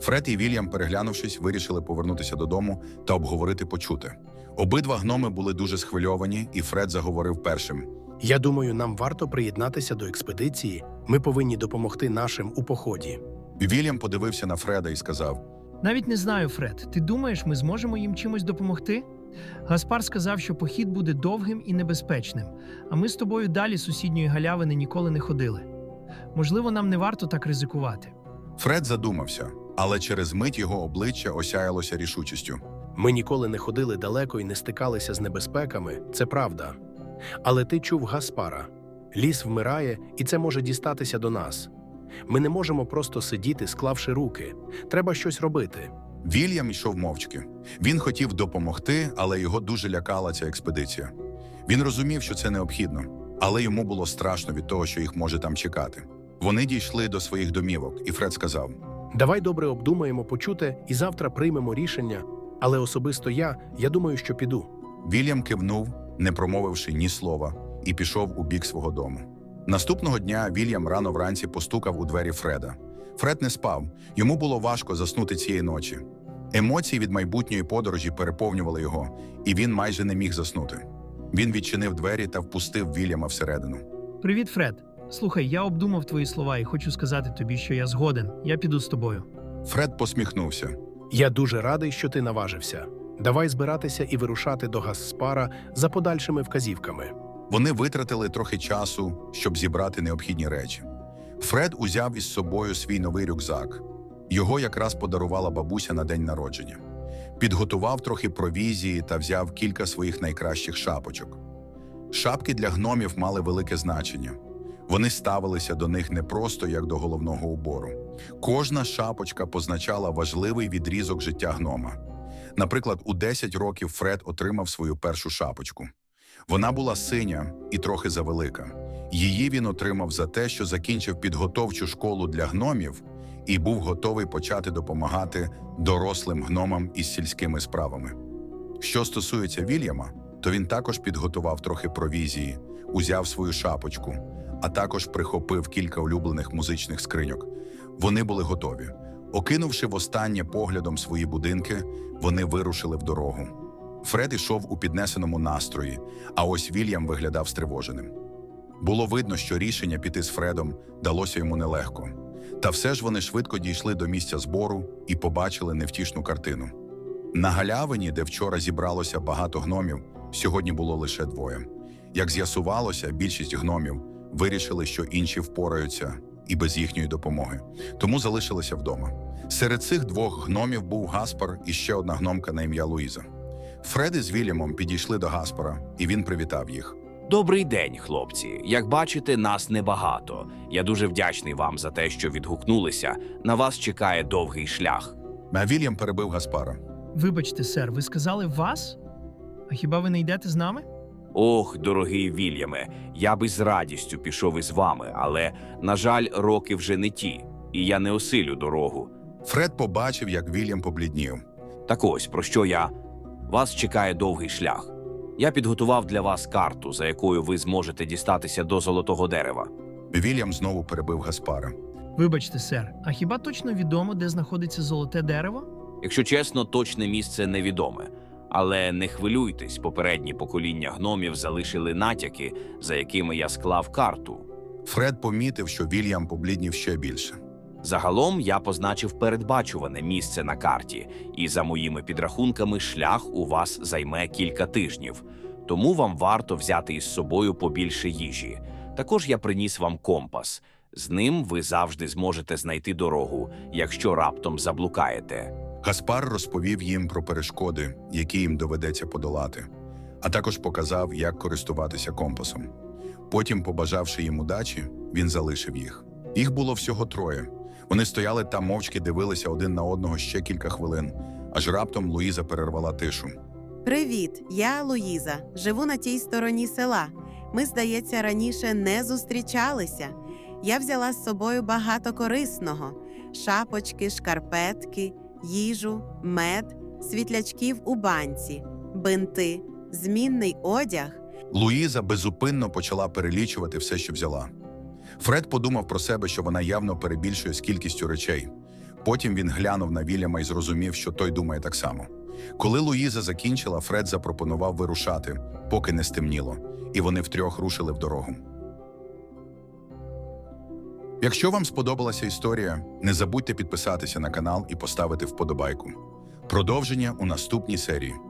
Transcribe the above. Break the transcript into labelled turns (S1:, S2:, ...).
S1: Фред і Вільям, переглянувшись, вирішили повернутися додому та обговорити почуте. Обидва гноми були дуже схвильовані, і Фред заговорив першим.
S2: Я думаю, нам варто приєднатися до експедиції. Ми повинні допомогти нашим у поході.
S1: Вільям подивився на Фреда і сказав:
S3: Навіть не знаю, Фред. Ти думаєш, ми зможемо їм чимось допомогти? Гаспар сказав, що похід буде довгим і небезпечним, а ми з тобою далі сусідньої галявини ніколи не ходили. Можливо, нам не варто так ризикувати.
S1: Фред задумався, але через мить його обличчя осяялося рішучістю.
S2: Ми ніколи не ходили далеко і не стикалися з небезпеками, це правда. Але ти чув Гаспара. Ліс вмирає, і це може дістатися до нас. Ми не можемо просто сидіти, склавши руки. Треба щось робити.
S1: Вільям йшов мовчки. Він хотів допомогти, але його дуже лякала ця експедиція. Він розумів, що це необхідно, але йому було страшно від того, що їх може там чекати. Вони дійшли до своїх домівок, і Фред сказав:
S2: Давай добре обдумаємо почуте і завтра приймемо рішення. Але особисто я думаю, що піду.
S1: Вільям кивнув, не промовивши ні слова, і пішов у бік свого дому. Наступного дня Вільям рано вранці постукав у двері Фреда. Фред не спав, йому було важко заснути цієї ночі. Емоції від майбутньої подорожі переповнювали його, і він майже не міг заснути. Він відчинив двері та впустив Вільяма всередину.
S3: Привіт, Фред. Слухай, я обдумав твої слова і хочу сказати тобі, що я згоден. Я піду з тобою.
S1: Фред посміхнувся.
S2: Я дуже радий, що ти наважився. Давай збиратися і вирушати до Гаспара за подальшими вказівками.
S1: Вони витратили трохи часу, щоб зібрати необхідні речі. Фред узяв із собою свій новий рюкзак. Його якраз подарувала бабуся на день народження. Підготував трохи провізії та взяв кілька своїх найкращих шапочок. Шапки для гномів мали велике значення. Вони ставилися до них не просто як до головного убору. Кожна шапочка позначала важливий відрізок життя гнома. Наприклад, у 10 років Фред отримав свою першу шапочку. Вона була синя і трохи завелика. Її він отримав за те, що закінчив підготовчу школу для гномів і був готовий почати допомагати дорослим гномам із сільськими справами. Що стосується Вільяма, то він також підготував трохи провізії, узяв свою шапочку, а також прихопив кілька улюблених музичних скриньок. Вони були готові. Окинувши востаннє поглядом свої будинки, вони вирушили в дорогу. Фред ішов у піднесеному настрої, а ось Вільям виглядав стривоженим. Було видно, що рішення піти з Фредом далося йому нелегко. Та все ж вони швидко дійшли до місця збору і побачили невтішну картину. На галявині, де вчора зібралося багато гномів, сьогодні було лише двоє. Як з'ясувалося, більшість гномів вирішили, що інші впораються і без їхньої допомоги, тому залишилися вдома. Серед цих двох гномів був Гаспар і ще одна гномка на ім'я Луїза. Фред із Вільямом підійшли до Гаспара, і він привітав їх.
S4: Добрий день, хлопці. Як бачите, нас небагато. Я дуже вдячний вам за те, що відгукнулися. На вас чекає довгий шлях.
S1: А Вільям перебив Гаспара.
S3: Вибачте, сер, ви сказали вас? А хіба ви не йдете з нами?
S4: Ох, дорогий Вільяме, я би з радістю пішов із вами, але, на жаль, роки вже не ті, і я не осилю дорогу.
S1: Фред побачив, як Вільям побліднів.
S4: Так ось, про що я? Вас чекає довгий шлях. Я підготував для вас карту, за якою ви зможете дістатися до Золотого дерева.
S1: Вільям знову перебив Гаспара.
S3: Вибачте, сер, а хіба точно відомо, де знаходиться золоте дерево?
S4: Якщо чесно, точне місце невідоме. Але не хвилюйтесь, попередні покоління гномів залишили натяки, за якими я склав карту.
S1: Фред помітив, що Вільям побліднів ще більше.
S4: Загалом я позначив передбачуване місце на карті, і за моїми підрахунками шлях у вас займе кілька тижнів. Тому вам варто взяти із собою побільше їжі. Також я приніс вам компас. З ним ви завжди зможете знайти дорогу, якщо раптом заблукаєте.
S1: Гаспар розповів їм про перешкоди, які їм доведеться подолати, а також показав, як користуватися компасом. Потім, побажавши їм удачі, він залишив їх. Їх було всього троє. Вони стояли та мовчки дивилися один на одного ще кілька хвилин, аж раптом Луїза перервала тишу.
S5: Привіт, я Луїза, живу на тій стороні села. Ми, здається, раніше не зустрічалися. Я взяла з собою багато корисного – шапочки, шкарпетки, їжу, мед, світлячків у банці, бинти, змінний одяг.
S1: Луїза безупинно почала перелічувати все, що взяла. Фред подумав про себе, що вона явно перебільшує з кількістю речей. Потім він глянув на Вільяма і зрозумів, що той думає так само. Коли Луїза закінчила, Фред запропонував вирушати, поки не стемніло, і вони втрьох рушили в дорогу. Якщо вам сподобалася історія, не забудьте підписатися на канал і поставити вподобайку. Продовження у наступній серії.